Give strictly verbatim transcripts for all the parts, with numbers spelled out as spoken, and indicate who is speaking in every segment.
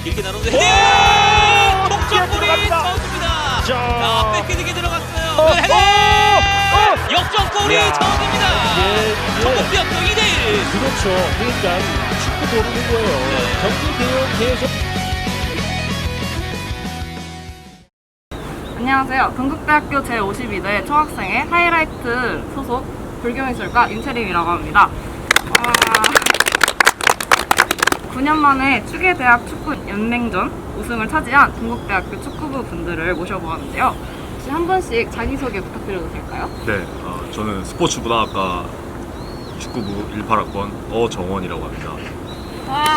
Speaker 1: 길게 나누는 헤딩! 동점골이 처음입니다. 자, 백헤딩이 들어갔어요. 그 헤딩! 역전골이 처음입니다. 전북대학교 이 대 일.
Speaker 2: 그렇죠. 그러니까 축구 모르는 거예요.
Speaker 1: 네.
Speaker 2: 경기 대응 계속.
Speaker 3: 안녕하세요. 동국대학교 제오십이 대 총학생회 하이라이트 소속 불교미술과 윤채림이라고 합니다. 와... 구 년 만에 추계대학 축구 연맹전 우승을 차지한 동국대학교 축구부 분들을 모셔보았는데요. 혹시 한 분씩 자기소개 부탁드려도 될까요?
Speaker 4: 네, 어, 저는 스포츠문화학과 축구부 십팔 학번 어정원이라고 합니다.
Speaker 3: 와...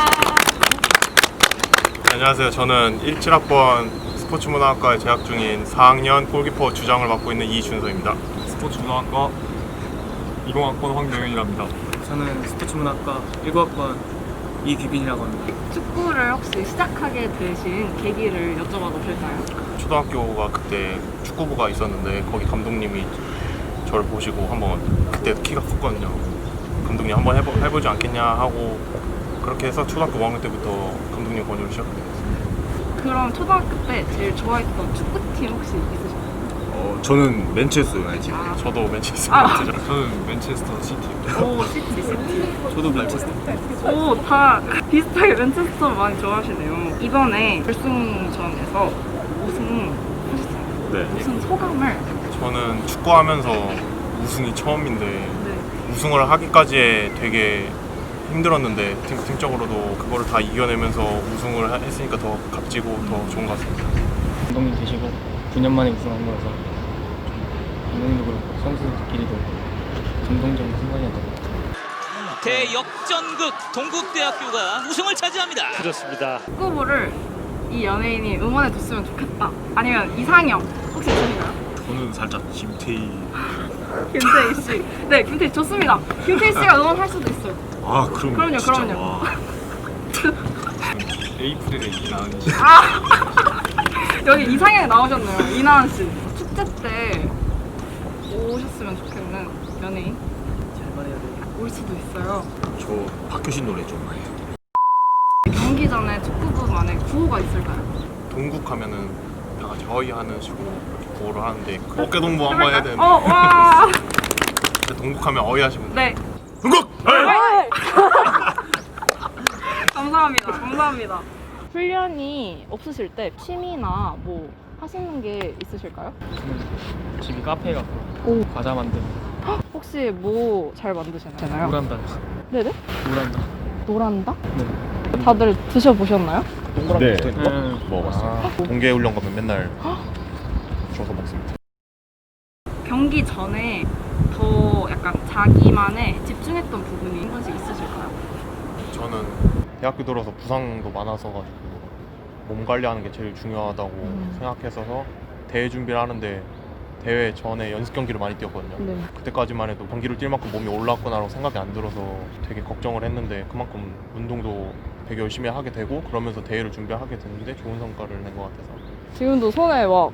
Speaker 5: 안녕하세요. 저는 십칠 학번 스포츠문화학과에 재학 중인 사 학년 골키퍼 주장을 맡고 있는 이준서입니다.
Speaker 4: 스포츠문화학과 이십 학번 황병현이랍니다.
Speaker 6: 저는 스포츠문학과 일구 학번 이규빈이라고 합니다.
Speaker 3: 축구를 혹시 시작하게 되신 계기를 여쭤봐도 될까요?
Speaker 5: 초등학교가 그때 축구부가 있었는데 거기 감독님이 저를 보시고 한번, 그때 키가 컸거든요. 감독님 한번 해보, 해보지 않겠냐 하고 그렇게 해서 초등학교 오 학년 때부터 감독님 권유를 시작하게 됐어요.
Speaker 3: 그럼 초등학교 때 제일 좋아했던 축구팀 혹시 있으신가요?
Speaker 4: 어, 저는 맨체스터 유나이티드.
Speaker 3: 아.
Speaker 5: 저도 맨체스터
Speaker 3: 아.
Speaker 5: 유나이티드.
Speaker 4: 저는 맨체스터 시티.
Speaker 3: 오, 시티, 시티.
Speaker 6: 저도 맨체스터.
Speaker 3: 오, 다 비슷하게 맨체스터 많이 좋아하시네요. 이번에 결승전에서 우승하셨잖아요.
Speaker 4: 네.
Speaker 3: 우승 소감을.
Speaker 5: 저는 축구하면서 우승이 처음인데
Speaker 3: 네.
Speaker 5: 우승을 하기까지에 되게 힘들었는데 팀, 팀적으로도 그거를 다 이겨내면서 우승을 하- 했으니까 더 값지고 더 좋은 것 같습니다.
Speaker 6: 감독님 계시고 구 년 만에 우승한 거라서 감독님도 그렇고 선수들끼리도 감동적인 순간이었던 것 같아요.
Speaker 1: 대역전극 동국대학교가 우승을 차지합니다.
Speaker 2: 그렇습니다.
Speaker 3: 축구부를 이 연예인이 응원해줬으면 좋겠다. 아니면 이상형 혹시 있으신가요?
Speaker 4: 저는 살짝 김태희.
Speaker 3: 김태희 씨. 네, 김태희 좋습니다. 김태희 씨가 응원할 수도 있어요.
Speaker 4: 아, 그럼
Speaker 3: 그럼요,
Speaker 4: 진짜,
Speaker 3: 그럼요.
Speaker 4: 와. 에이프릴의 이나은 씨.
Speaker 3: 아, 여기 이상형이 나오셨네요. 이나은 씨. 축제 때 오셨으면 좋겠는 연예인
Speaker 6: 잘 말해야 돼요.
Speaker 3: 올 수도 있어요.
Speaker 4: 저 박효신 노래 좀 많이 해요.
Speaker 3: 경기 전에 축구부만의 구호가 있을까요?
Speaker 5: 동국하면은 다 같이 허위하는 식으로 이렇게 구호를 하는데 그 어깨 동무 한번 해야 되는데
Speaker 3: 어, 와.
Speaker 5: 근데 동국하면 어휘하시면 돼요.
Speaker 3: 네.
Speaker 5: 동국!
Speaker 3: 감사합니다. 감사합니다. 훈련이 없으실 때 취미나 뭐 하시는 게 있으실까요?
Speaker 6: 저는 집이 카페라서
Speaker 3: 오.
Speaker 6: 과자 만들고
Speaker 3: 혹시 뭐 잘 만드시나요?
Speaker 6: 노란다.
Speaker 3: 네네.
Speaker 6: 노란다.
Speaker 3: 노란다?
Speaker 6: 네.
Speaker 3: 다들 드셔보셨나요?
Speaker 4: 네.
Speaker 6: 음.
Speaker 4: 먹어봤어요.
Speaker 5: 동계 훈련 가면 맨날 줘서 먹습니다.
Speaker 3: 경기 전에 더 약간 자기만의 집중했던 부분이 한 번씩 있으실까요?
Speaker 5: 저는 대학교 들어서 부상도 많아서 가지고 몸 관리하는 게 제일 중요하다고
Speaker 3: 음.
Speaker 5: 생각했어서 대회 준비를 하는데 대회 전에 연습 경기를 많이 뛰었거든요.
Speaker 3: 네.
Speaker 5: 그때까지만 해도 경기를 뛸 만큼 몸이 올라왔구나라고 생각이 안 들어서 되게 걱정을 했는데 그만큼 운동도 되게 열심히 하게 되고 그러면서 대회를 준비하게 됐는데 좋은 성과를 낸 것 같아서.
Speaker 3: 지금도 손에 막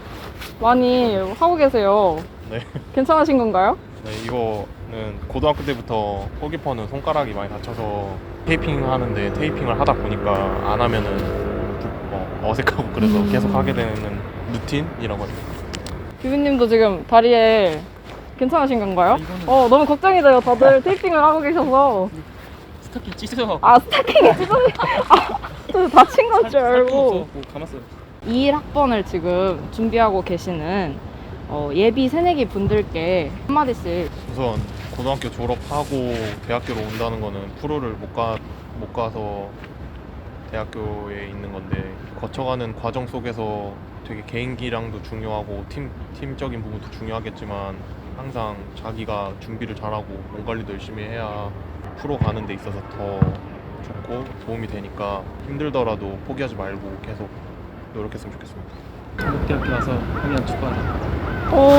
Speaker 3: 많이 하고 계세요.
Speaker 5: 네.
Speaker 3: 괜찮으신 건가요?
Speaker 5: 네, 이거는 고등학교 때부터 골키퍼는 손가락이 많이 다쳐서 테이핑 하는데 테이핑을 하다 보니까 안 하면은 부- 어, 어색하고 그래서
Speaker 3: 음.
Speaker 5: 계속 하게 되는 루틴이라고 합니다.
Speaker 3: 규빈님도 지금 다리에 괜찮으신 건가요?
Speaker 6: 아, 이거는-
Speaker 3: 어, 너무 걱정이 돼요. 다들 테이핑을 하고 계셔서.
Speaker 6: 스타킹 찢어서
Speaker 3: 아, 스타킹이 찢어져. 아, 저 다친 건 줄 알고.
Speaker 6: 뭐 감았어요.
Speaker 3: 이십일 학번을 지금 준비하고 계시는 어, 예비 새내기 분들께 한마디씩.
Speaker 5: 우선 고등학교 졸업하고 대학교로 온다는 거는 프로를 못 가, 못 가서 대학교에 있는 건데 거쳐가는 과정 속에서 되게 개인기량도 중요하고 팀, 팀적인 부분도 중요하겠지만 항상 자기가 준비를 잘하고 몸 관리도 열심히 해야 프로 가는 데 있어서 더 좋고 도움이 되니까 힘들더라도 포기하지 말고 계속 노력했으면 좋겠습니다.
Speaker 6: 동국대학교 와서 하면 축구하자.
Speaker 3: 오.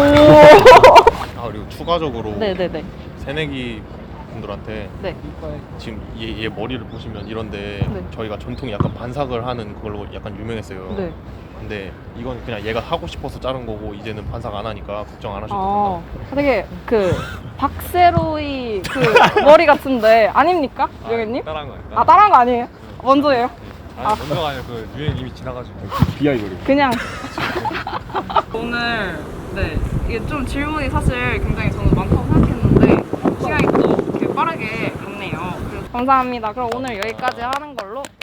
Speaker 5: 아 그리고 추가적으로
Speaker 3: 네네네.
Speaker 5: 새내기 분들한테
Speaker 3: 네.
Speaker 5: 지금 얘, 얘 머리를 보시면 이런데
Speaker 3: 네.
Speaker 5: 저희가 전통 약간 반삭을 하는 그걸로 약간 유명했어요.
Speaker 3: 네.
Speaker 5: 근데 이건 그냥 얘가 하고 싶어서 자른 거고 이제는 반삭 안 하니까 걱정 안 하셔도
Speaker 3: 아,
Speaker 5: 됩니다.
Speaker 3: 되게 그 박세로이 그 머리 같은데 아닙니까, 유경님?
Speaker 4: 따라한 거예요.
Speaker 3: 아, 따라한 거 아니에요? 먼저예요?
Speaker 5: 아니 먼저가 아니라 그 유행 이미 지나가지고.
Speaker 2: 비하이버리.
Speaker 3: 그냥 오늘 네 이게 좀 질문이 사실 굉장히 저는 많다고 생각했는데 시간이 또 이렇게 빠르게 갔네요. 그래서 감사합니다. 그럼 오늘 여기까지 하는 걸로.